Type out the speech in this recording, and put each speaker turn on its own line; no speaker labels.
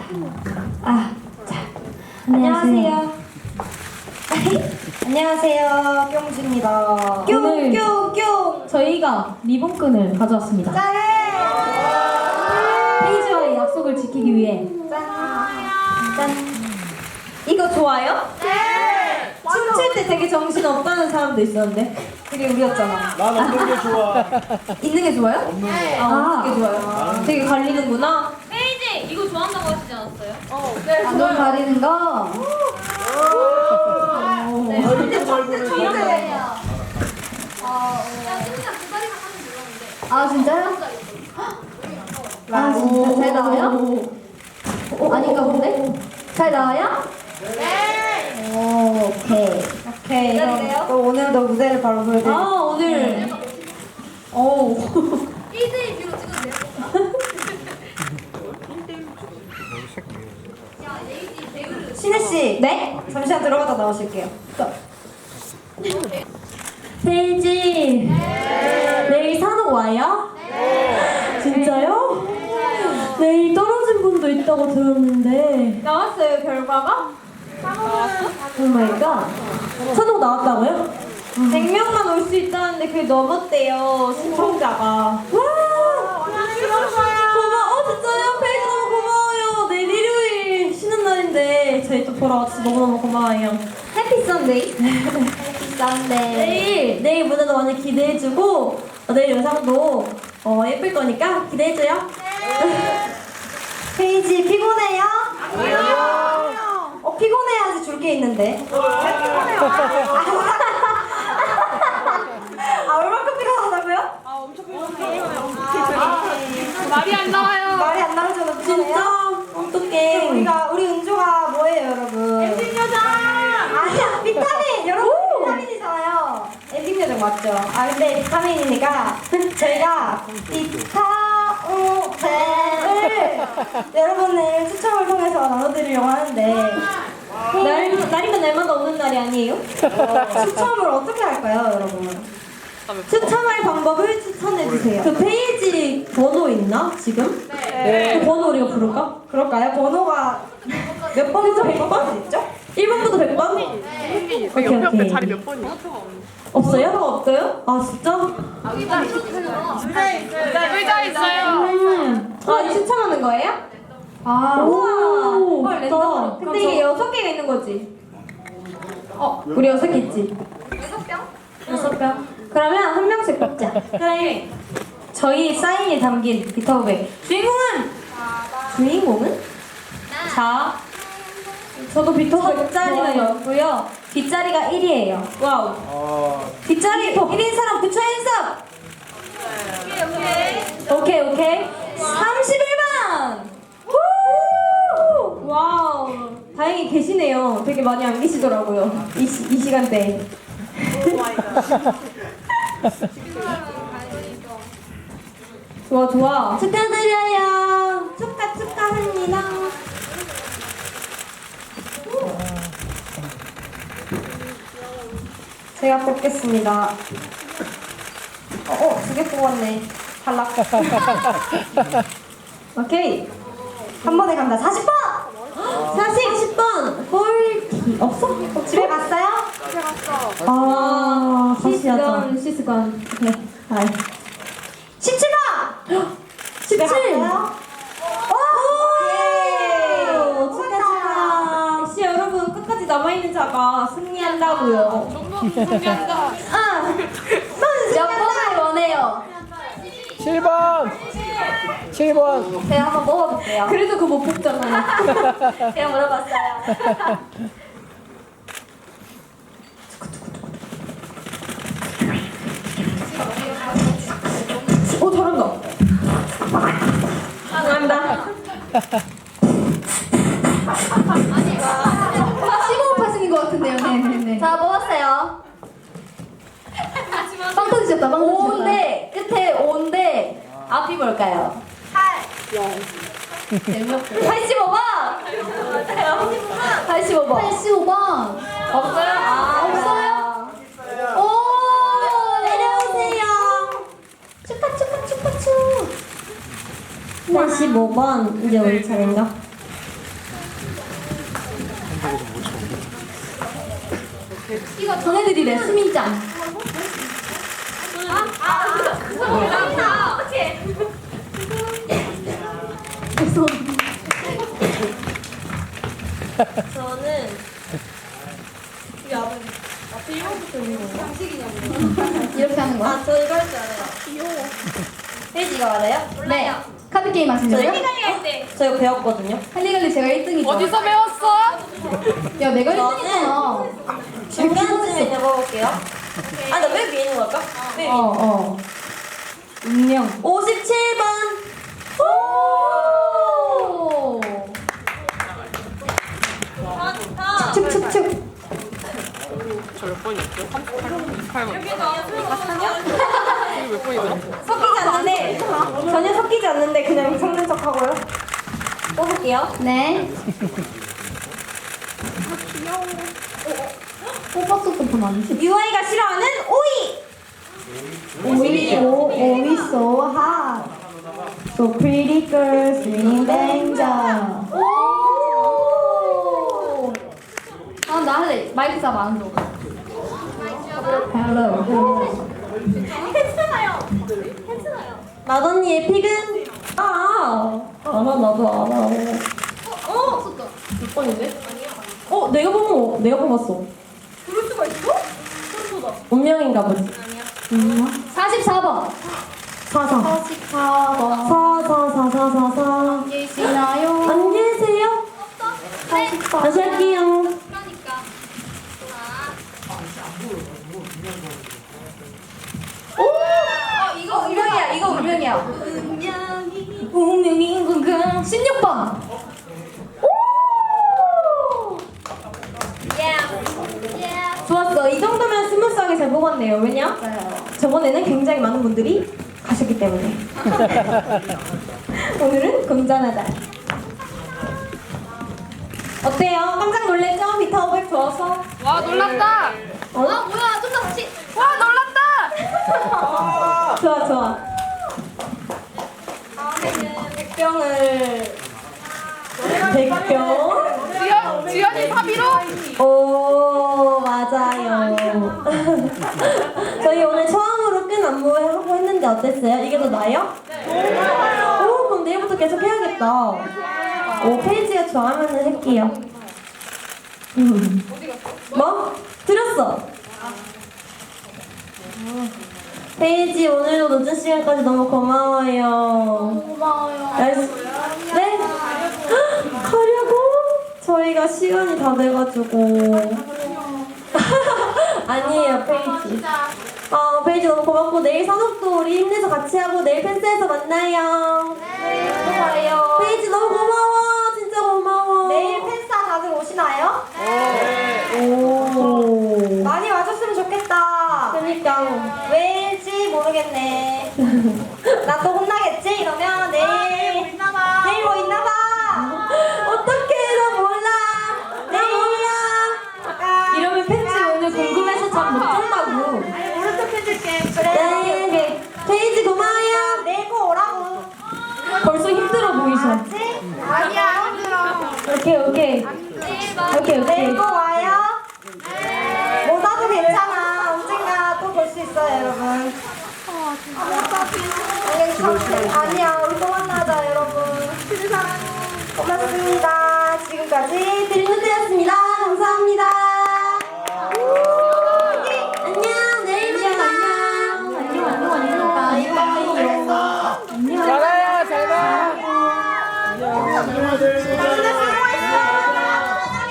자, 안녕하세요. 안녕하세요, 뿅주입니다. 뿅뿅뿅.
저희가 리본끈을 가져왔습니다.
짠!
페이지와의 약속을 지키기 위해.
짠. 이거 좋아요?
네!
춤출 때 되게 정신 없다는 사람도 있었는데 되게 우렸잖아.
난 없는 게 좋아.
있는 게 좋아요?
없는 거.
없는 게 좋아요. 되게 갈리는구나.
페이지 이거 좋아한다고 하시지 않았어요?
네,
안돈 가리는 거.
근데
천재.
야 진짜 두 다리만 하면 되는데.
아 진짜요? 아 진짜 잘 나와요? 아닌가 본데? 잘 나와요?
네.
오, 오케이.
오케이. 그럼 오늘도 무대를 바로 보여드릴게요.
오늘.
오.
1대1 뷰로 찍어도 돼요? 야 레이지 배우를
신혜씨.
네?
잠시만 들어갔다 나오실게요.
페이지. 내일 산옥 와요? 진짜요? 내일 떨어진 분도 있다고 들었는데.
나왔어요, 결과가?
오 마이 갓. 산옥 나왔다고요?
100명만 올 수 있다는데 그게 넘었대요, 신청자가. 고마워, 진짜요? 페이지 너무 고마워요. 내일 일요일 쉬는 날인데 저희 또 보러 와주셔서 너무너무 고마워요. 해피 선데이. 해피 선데이.
내일 무대도 많이 기대해주고 내일 영상도 예쁠 거니까 기대해줘요.
페이지 피곤해요? 아니요. 피곤해야지 줄 게 있는데. 피곤해요. 얼마큼 피곤하다고요?
말이 안 나와요.
말이 안 나오잖아,
진짜? 어떡해.
우리 은조가 뭐예요, 여러분? 엔딩 요정! 아니야, 비타민! 여러분, 비타민이잖아요. 엔딩 요정 맞죠? 근데 비타민이니까 저희가 비타오펜을 여러분을 추첨을 통해서 나눠드리려고 하는데 날이면 날마다 오는 날이 아니에요? 추첨을 어떻게 할까요, 여러분? 추첨할 방법을 추천해주세요.
그 페이지 번호 있나 지금?
네.
그 번호 우리가 부를까?
그럴까요? 번호가 몇 번부터 100번 있죠?
1번부터 100번?
네.
오케이
옆에
오케이.
자리 몇 번이야?
없어요?
없어요?
아 진짜?
의자 있어요.
이 추첨하는 거예요?
우와.
우와. 헐,
좋다.
랜덤으로. 근데 이게 6개가 있는 거지?
우리 6개 있지?
6병? 그러면 한 명씩 뽑자. 그래. 저희 사인이 담긴 비타오백. 주인공은? 자, 저도 비타오백 자리가 였고요. 뒷자리가 1이에요. 와우. 뒷자리 1인 사람 부처 인사. 오케이. 31번. 와우. 다행히 계시네요. 되게 많이 안 계시더라고요. 이 시간대에. 좋아. 축하드려요. 축하합니다. 제가 뽑겠습니다. 2개 뽑았네. 탈락. 오케이. 한 번에 간다. 40번! 40번! 꼴티. 없어? 집에 갔어요?
다시 하자.
시스건. 네. 17번!
17!
오! 축하! 역시 여러분 끝까지 남아있는 자가 승리한다고요.
준비한다.
몇 번을 원해요?
7번. 7번.
제가 한번 먹어볼게요.
그래도 그거 못 뽑잖아요.
제가 물어봤어요.
잘한다. 잘한다.
15파승인 것 같은데요. 네. 자, 먹었어요. 빵 터지셨다. 5인데 끝에 5인데 앞이 뭘까요? 85번! 85번. 85번. 없어요? 없어요? 오! 내려오세요. 축하.
85번. 이제 우리 차례인가?
이거
전해드리래 수민짱. 저는 이 앞에 이거부터 있는 건가?
이렇게 하는 거야?
아, 저 이거 할 줄 알아요. 귀여워. 페이지 이거 알아요?
네. 카드 게임 하시려고요?
저 이거 배웠거든요.
할리갈리 제가 1등이죠.
어디서 배웠어?
야, 내가
저는
1등이잖아.
중간쯤에 적어볼게요. 아, 나 맨 위에 있는 거 할까? 맨 위에.
운명.
57번.
오! 축축축.
저 몇 번이었죠? 38번. 이게 몇 번이죠?
섞이지 않는데, 전혀 섞이지 않는데 그냥 섞는 척 하고요. 뽑을게요.
네. 뽑았었던 분 아니지?
UI가 싫어하는 오이.
오이 so hot. So pretty girls singing danger. 오! 아, 나 할래. 마이크 잡아, 안 줘. Hello.
마더니의 픽은? 알아, 나도 알아. 몇 번인데? 내가 뽑았어.
그럴 수가 있어?
운명인가 보지.
44번.
44.
44번.
444444.
계시나요?
안 계세요? 다시 할게요.
그러니까.
이거 운명이야, 이거 운명이야. 운명인 건가? 16번.
좋았어. 이 정도면 스무스하게 잘 뽑았네요. 왜냐? 저번에는 굉장히 많은 분들이 가셨기 때문에. 오늘은 건전하다. 어때요? 깜짝 놀랬죠? 비타 500 좋아서?
와, 놀랐다!
뭐야? 좀 더 같이.
와, 놀랐다!
좋아. 다음에는 100병을 100병?
지연이 사비로?
오, 맞아요. 저희 오늘 처음으로 끈 안무 하고 했는데 어땠어요? 이게 더 나아요? 네. 오, 그럼 내일부터 계속 해야겠다. 오, 페이지가 좋아하면은 할게요. 뭐? 들었어. 페이지 오늘도 늦은 시간까지 너무 고마워요.
고마워요.
네? 가려고? 저희가 시간이 다 돼가지고. 아니에요, 페이지. 페이지 너무 고맙고 내일 산업도 우리 힘내서 같이 하고 내일 펜스에서 만나요.
네, 고마워요.
페이지 너무 고마워. 진짜 고마워.
내일 팬싸 다들 오시나요?
오.
많이 와줬으면 좋겠다.
그러니까.
왜일지 모르겠네. 나 또 혼나겠지? 이러면 내일 뭐 있나봐. 내일 뭐 있나봐.
어떡해, 나 몰라. 나 몰라. 이러면 팬츠 오늘 궁금해서 잠 못 잔다고.
아니 모른 척 해줄게.
네. 페이지 고마워요.
내일 꼭 오라고.
벌써 힘들어 보이셔.
알았지? 아니야 힘들어.
오케이.
내일 꼭 와요. 못 와도 괜찮아. 언젠가 또 볼 수 있어요 여러분. 아니야 우리 또 만나자 여러분. 고맙습니다. 지금까지
드림노트였습니다. 감사합니다. 안녕. 내일 만나.
안녕. 바이바이.
잘해요, 잘 봐!
끝났어.